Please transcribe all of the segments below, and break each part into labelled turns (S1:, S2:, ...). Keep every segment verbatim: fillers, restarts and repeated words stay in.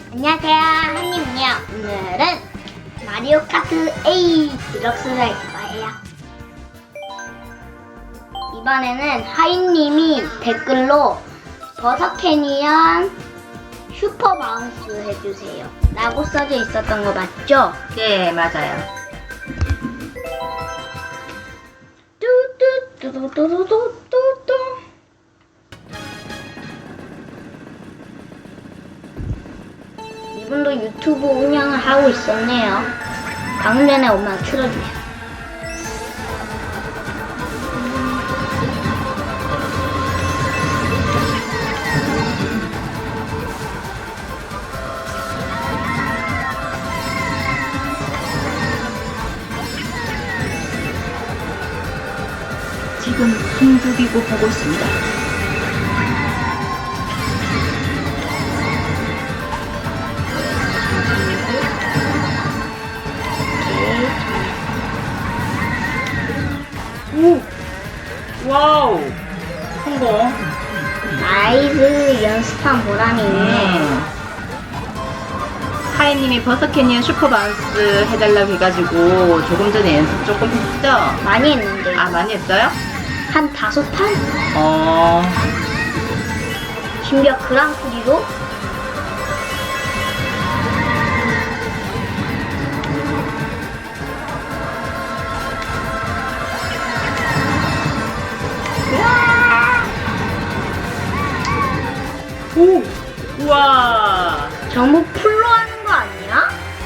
S1: 안녕하세요, 한님이요. 오늘은 마리오 카트 에이 디럭스를 할 거예요. 이번에는 하이님이 댓글로 버섯 캐니언 슈퍼 바운스 해주세요 라고 써져 있었던 거 맞죠?
S2: 네, 맞아요.
S1: 뚜뚜뚜뚜뚜뚜뚜뚜. 이분도 유튜브 운영을 하고 있었네요. 방금 전에 엄마가 틀어주세요.
S2: 지금 숨죽이고 보고 있습니다. 오! 와우! 성공!
S1: 나이스, 연습한 보람이 있네.
S2: 음. 하이님이 버섯 캐니언 슈퍼 바운스 해달라고 해가지고 조금 전에 연습 조금 했죠?
S1: 많이 했는데.
S2: 아, 많이 했어요?
S1: 한 다섯 판?
S2: 어...
S1: 심지어 그랑프리로?
S2: 오! 우와!
S1: 전부 풀로 하는 거 아니야?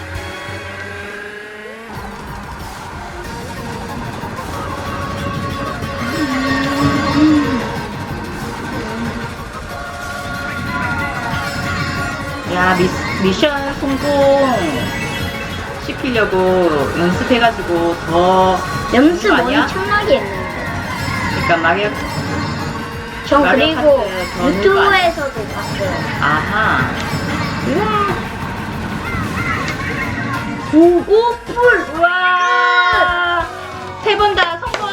S2: 야, 미, 미션 성공 시키려고 연습해가지고 더
S1: 연습
S2: 그거 아니야?
S1: 엄청나게 했는데.
S2: 그러니까 마리오
S1: 전
S2: 마리오
S1: 그리고
S2: 카트 더
S1: 유튜브에서도 봤어요.
S2: 아하.
S1: 오, 오, 풀!
S2: 우와! 세 번 다 성공!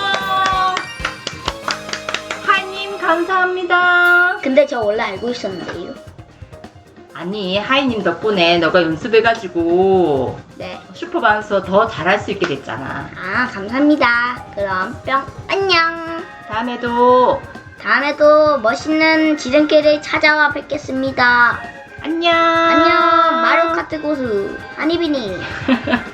S2: 하이님 감사합니다.
S1: 근데 저 원래 알고 있었는데요.
S2: 아니, 하이님 덕분에 너가 연습해가지고
S1: 네.
S2: 슈퍼바운서 더 잘할 수 있게 됐잖아.
S1: 아, 감사합니다. 그럼 뿅, 안녕.
S2: 다음에도
S1: 다음에도 멋있는 지름길을 찾아와 뵙겠습니다.
S2: 안녕.
S1: 안녕. 마리오 카트 고수 한이비니.